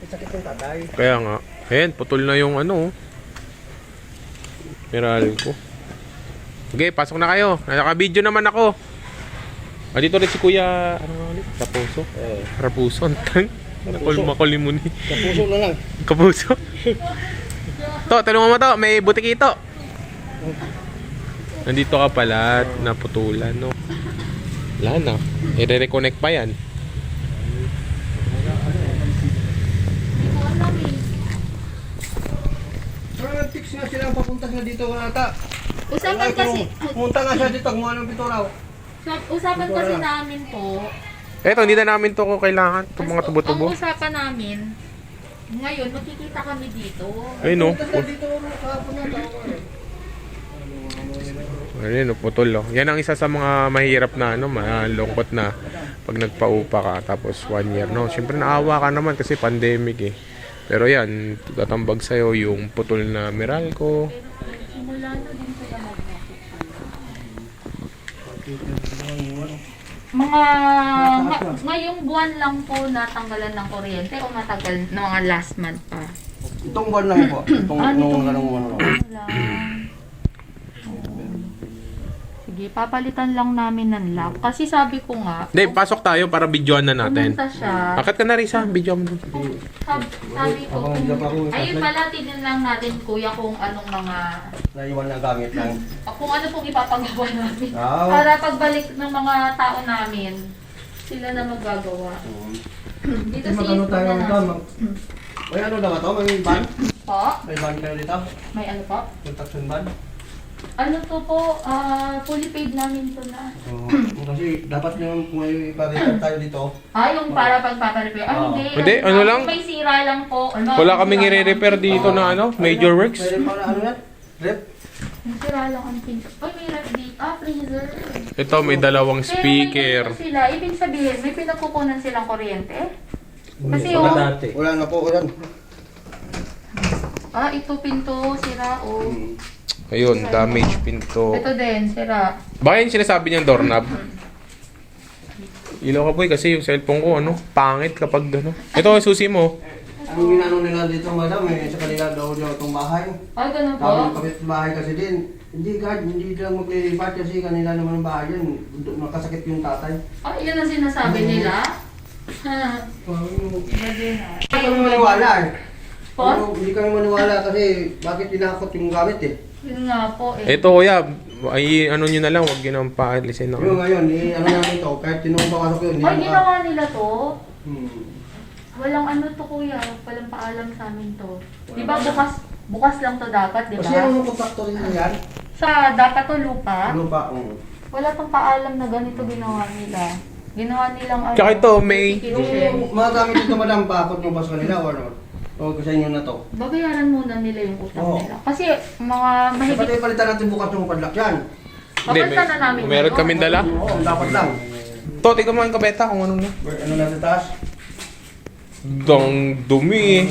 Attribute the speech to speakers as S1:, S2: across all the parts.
S1: Sakit ng tatay.
S2: Kaya nga. Ayan, putol na yung ano. Meral ko. Okay, pasok na kayo. Naka-video naman ako. Dito rin si Kuya, ano nga ulit? Kapuso? Rapuso, antang. Makulimuni.
S1: Kapuso na lang.
S2: Kapuso. To, tanong mo to, may butik ito. Nandito ka pala at naputulan, no? Wala na. I-reconnect pa yan.
S1: Parang fix nga silang papunta nga dito ata.
S3: Usapan kasi,
S1: Pumunta nga siya dito, kung anong pituraw.
S3: usapan kasi namin po,
S2: Eto, hindi na namin to kung kailangan. Itong mga tubo-tubo.
S3: ang usapan namin, ngayon makikita kami dito.
S2: Ayun, no?
S1: Pumunta siya dito kahapon na tao.
S2: Ayun, no? Putol, no? Yan ang isa sa mga mahirap na, ano, malungkot na pag nagpaupa ka tapos 1 year, no? Siyempre naawa ka naman kasi pandemic, eh. Pero yan, tatambag sa'yo yung putol na Meralco.
S3: Simula na din sila ngayong buwan lang po natanggalan ng kuryente o matagal na mga last month pa?
S1: Itong buwan lang po. Itong nung anong ano.
S3: Wala. Sige, papalitan lang namin ng lock. Kasi sabi ko nga,
S2: Hindi, pasok tayo para videoan na natin.
S3: pumunta siya.
S2: Bakit ka na rin sa video mo?
S3: Sabi ko, ayun pala, tignan lang natin kuya kung anong mga,
S1: Naiwan na gamit lang.
S3: kung ano pong ipapagawa namin.
S1: Ah.
S3: Para pagbalik ng mga tao namin, sila na magagawa. Dito si
S1: Magano tayo
S3: na
S1: dito? May ano daw ito? May van?
S3: Po?
S1: May van kayo dito?
S3: May ano po?
S1: Construction van?
S3: Ano to po, fully paid namin to na.
S1: Kasi dapat yung kung may iparekan tayo dito.
S3: Yung para pagpaparepair. Hindi.
S2: Hindi, ano lang?
S3: May sira lang po.
S2: Wala kaming i-repair dito na ano, major works.
S1: Pwede pa na ano yan? Rep?
S3: May sira lang ang pinto. May ref dito. Freezer.
S2: Ito, may dalawang
S3: Pero may
S2: speaker.
S3: ganito sila. Ibig sabihin, may pinagkukunan silang kuryente. Kasi
S1: Wala na po. Wala.
S3: ito pinto, sira
S2: Ayun, damage pinto.
S3: Ito din, sira.
S2: Baka yung sinasabi niyang doorknob. Ilaw ka boy kasi yung cellphone ko ano, pangit kapag ano. Ito ang susi mo.
S1: Ang ginano nila dito, madam, sa kanila daw itong bahay.
S3: Ganun po.
S1: Tapos kapit bahay kasi din. Hindi God, hindi lang maglilipat kasi kanila naman ang bahay yan. Nakasakit yung tatay.
S3: Yun ang sinasabi nila. Iba din
S1: Hindi kami maniwala eh.
S3: Po?
S1: Hindi kami maniwala kasi bakit tinakot yung gamit eh.
S3: Yun nga po eh.
S2: Ito kuya, ay ano nyo na lang, wag yun ang paalisin na.
S1: Yung ngayon, ano namin ito, kahit tinong papasok yun.
S3: Ginawa nila to.
S1: Hmm.
S3: Walang ano to kuya, walang paalam sa amin to. Di ba bukas lang to dapat, di
S1: Kasi
S3: ba?
S1: yung kontraktor nila yan,
S3: Sa dapat to lupa,
S1: ano pa,
S3: wala tong paalam na ganito ginawa nila. Ginawa nilang ano.
S2: Tsaka ito, may-
S1: yung mga gamit dito madam, paakot nyo ba sa kanila o ano? O sa inyo na to?
S3: Babayaran muna nila yung utang
S1: Oo.
S3: nila. Kasi mga
S1: Kasi
S3: mahigit.
S1: pati palitan natin bukas yung padlock yan.
S3: Papalitan na namin.
S2: meron
S3: yun.
S2: kaming dala.
S1: Oo, dapat lang.
S2: To, tignan mo ang kabeta kung ano na.
S1: Ano na sa taas?
S2: Dang dumi eh.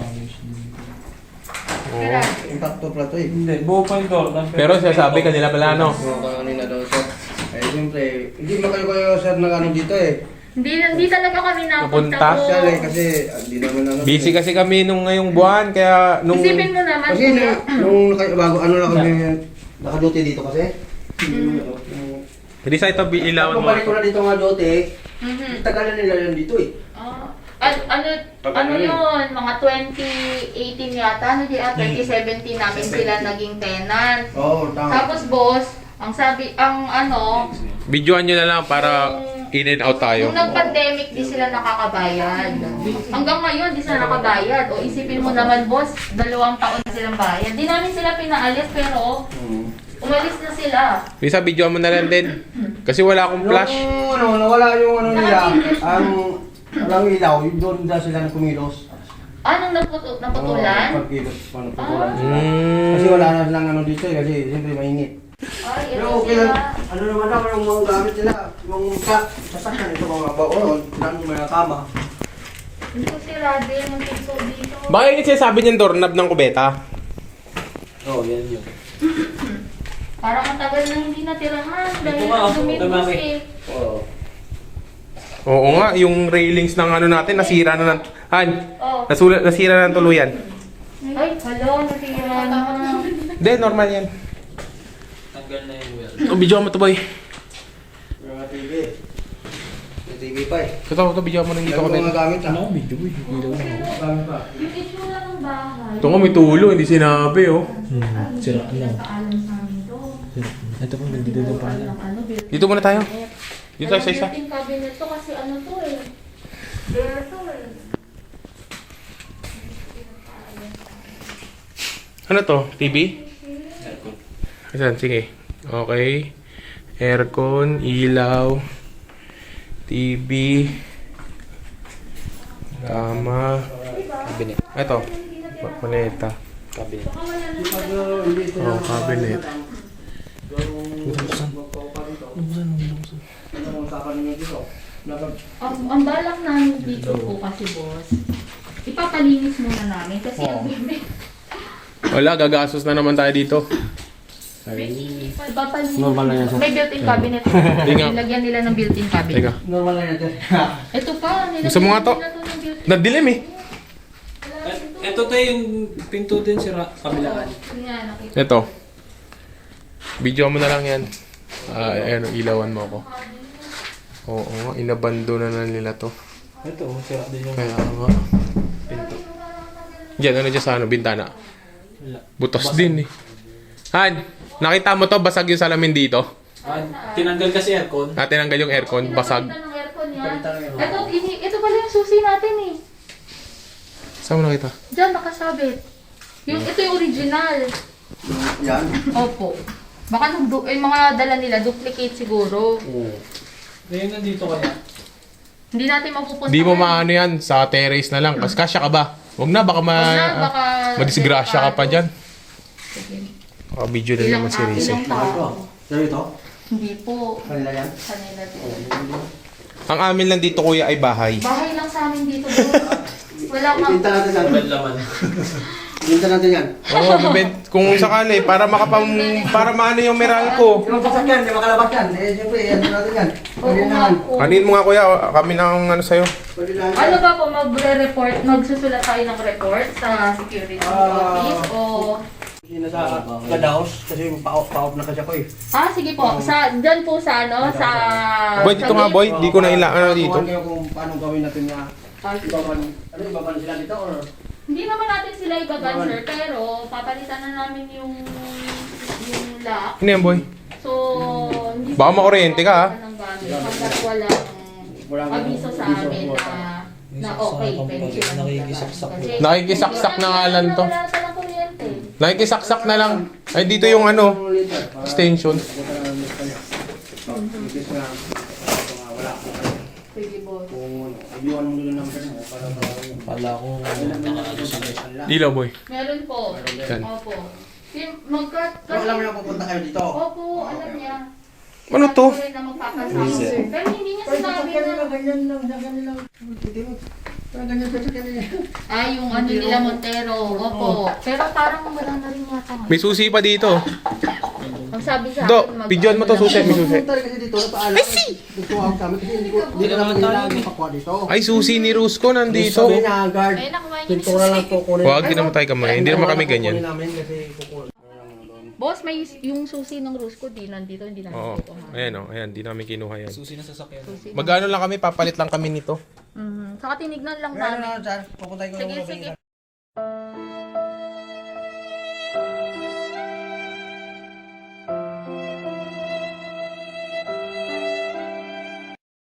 S3: Kaya,
S1: Impacto pala to eh.
S4: Hindi, buo pa yung door.
S2: Pero sasabi kanila pala no.
S1: Oo, kanina daw sir. Eh, siyempre, hindi ba kayo sir na ano dito eh.
S3: hindi talaga kami napunta
S2: Napunta?
S3: po.
S1: Siya eh, kasi hindi naman ano.
S2: Busy kasi kami nung ngayong buwan, kaya nung...
S3: Isipin mo naman.
S1: Kasi
S3: kuya.
S1: nung bago ano lang kami nakaduty dito kasi.
S2: Hindi sa ito, ilawan mo.
S1: Pag balik ko na dito nga duty,
S3: Mhm.
S1: tagalan nila yan dito eh.
S3: Ano yun, mga 2018 yata, 2017 namin sila naging tenant.
S1: Oo, tama.
S3: Tapos boss,
S2: Videoan nyo na lang para in and out tayo.
S3: nung nag-pandemic, di sila nakakabayad. Hanggang ngayon, di sila nakabayad. O isipin mo naman boss, 2 taon na silang bayad. Di namin sila pinaalis, pero umalis na sila.
S2: Bisa, videoan mo na lang din. Kasi wala akong flash.
S1: Yung ano, nawala yung ano nila, walang ilaw, yung doon na sila kumilos.
S3: Anong naputulan?
S1: Pagkilos, naputulan sila.
S2: Mm.
S1: Kasi wala na silang ano dito eh, kasi siyempre mainit.
S3: Ay, ito
S1: Pero okay lang,
S3: sila.
S1: ano naman naman yung mga gamit nila, yung sasakyan, ito mga baon, lang yung mga kama.
S3: Ito sila din, ang pinto dito.
S2: Baka yun yung sinasabi niyang doorknob ng kubeta.
S4: Oo, yan yun.
S3: Parang matagal na hindi natirahan dahil
S4: Ito nga,
S3: dumipos
S4: dumami.
S3: eh.
S1: Oo.
S2: Oo nga, yung railings ng ano natin, nasira na ng... Han,
S3: Oh.
S2: nasira na ng tuluyan.
S3: Ay, hala, nasira na.
S2: Hindi, normal yan.
S4: Tanggal na yung wheel.
S2: Oh, video mo to, boy.
S1: Mga TV. May TV pa eh.
S2: Ito, video mo nang dito
S1: Dami
S2: kami.
S1: ko mga gamit ah.
S4: Ano? Video boy. Video mo.
S1: Gamit pa.
S3: Yung itsura ng bahay.
S2: Ito nga, may tulo, hindi sinabi, oh.
S4: Sira na.
S3: Paalam sa amin to.
S4: Ito po, nandito na pa na.
S2: Dito muna tayo. Dito tayo sa isa.
S3: Built-in cabinet to kasi ano to eh. Bare to eh.
S2: Ano to? TV?
S4: Aircon.
S2: Ayan, sige. Okay. Aircon, ilaw, TV, kama.
S4: Cabinet.
S2: Ito, maleta.
S4: Cabinet.
S1: Pag hindi ito
S2: Oh, cabinet.
S1: Ang usapan ninyo dito.
S3: Ang balak namin dito po kasi boss, ipapalinis muna namin kasi ang
S2: Wala, gagastos na naman tayo dito.
S3: ipapalinis.
S4: Normal lang yan, sir.
S3: May built-in cabinet.
S2: Tinga.
S3: Nilagyan nila ng built-in cabinet.
S2: Teka.
S1: Normal lang yan.
S3: Ito pa, nilagyan
S2: Gusto mo nga to?
S3: nila to ng built-in.
S2: Nadilim eh.
S4: Ito tayo yung pinto din sira. Kabilaan.
S3: Yan, nakita.
S2: Ito. Video mo na lang yan. Ayan, ilawan mo ako. Oo, inabandona na nila to.
S4: Ito, sira din yung
S2: Kaya nga.
S4: pinto.
S2: Diyan, ano dyan sa ano, bintana?
S4: Wala.
S2: Butos din eh. Han, nakita mo to, basag yung salamin dito.
S4: Tinanggal kasi aircon.
S2: Tinanggal yung aircon, basag.
S3: Pinapalitan ng aircon yan. Ito pala yung susi natin eh.
S2: Saan mo nakita?
S3: Diyan, nakasabit. Ito yung original.
S1: Yan.
S3: Opo. Baka yung mga dala nila, duplicate siguro.
S4: Oo. Ngayon nandito kaya.
S3: Hindi natin mapupunta.
S2: Di mo maano yan, sa terrace na lang. Kasi kasya ka ba? Huwag na, baka
S3: baka
S2: madisgrasya ka pa dyan.
S3: Sige.
S2: Video na naman si Rize.
S3: Ilang tao?
S1: Sa'yo ito?
S3: Hindi po.
S1: Kanila yan?
S3: Kanila din.
S2: Ang amin lang dito, kuya, ay bahay.
S3: Bahay lang sa amin dito. Bro. Wala
S1: Ibinta natin yan.
S4: Walang laman.
S1: Ibinta natin yan.
S2: Oo, kung sakali, para para maano yung Meralco.
S1: Yung sasakyan, hindi makalabas yan. Eh, siyempre, ano natin yan. Pwede naman.
S2: Kanin mo nga, kuya, kami na ang ano sa'yo.
S1: Pwede naman.
S3: Ano ba po, magre-report, magsusulat tayo ng report sa security office o...
S1: Hindi na sa Kadaos kasi pa-off na kasi ako eh.
S3: Sige po, dyan po sa ano, sa...
S2: Boy, dito nga, boy. Di ko na ano dito.
S1: Kuhan kayo kung paano gawin natin na ibaban sila dito or...
S3: Hindi naman natin sila ibaban, sir, pero papalitan na namin yung lock.
S2: Ano yan, boy?
S3: So, hindi
S2: Baka makuryente ka, ha?
S3: ng gamit hanggat walang abiso sa amin na okay, pwede sila
S4: Nakikisaksak
S3: Kasi
S2: Nakikisaksak na nga lang to.
S3: Wala talang kuryente.
S2: Nakikisaksak na lang. Ay, dito yung ano, extension.
S1: Wala.
S3: Sige, boss.
S1: Kung ayuan mo nila ng mo para
S4: Pala ko nakaano sila.
S2: Ilaw, boy.
S3: Meron po.
S2: Yan.
S3: Opo.
S1: Pero alam mo na pupunta kayo dito.
S3: Opo, alam niya.
S2: Ano to?
S3: Sabi na magpapasama, sir. Pero hindi niya sinabi na...
S1: Ganyan lang. Ganyan sa kanila.
S3: Yung ano nila Montero. Opo. Pero parang wala na rin yata.
S2: May susi pa dito.
S3: Ang sabi sa
S2: Do,
S3: akin,
S2: pidyon mo to, susi. May susi.
S1: Pupunta rin kasi dito na paalam. Gusto ako sa amin kasi hindi ko naman kailangan magpakuha dito.
S2: Ay, susi ni Rusco nandito.
S1: Sabi na guard.
S3: Ay, nakuha niya ni
S1: Pintura lang po kunin.
S2: Huwag, di naman tayo kamay. Hindi naman kami ganyan.
S1: Kunin namin kasi kukunin.
S3: Boss, may yung susi ng Rusco di nandito, hindi namin
S2: Oo.
S3: kukuha.
S2: Ayan o. Ayan, di namin kinuha yan.
S4: Susi na sasakyan.
S2: Magano lang kami, papalit lang kami nito.
S3: Saka tinignan lang
S1: Ano
S3: namin.
S1: na, sir? Pupunta ko
S3: Sige,
S1: lang.
S3: sige.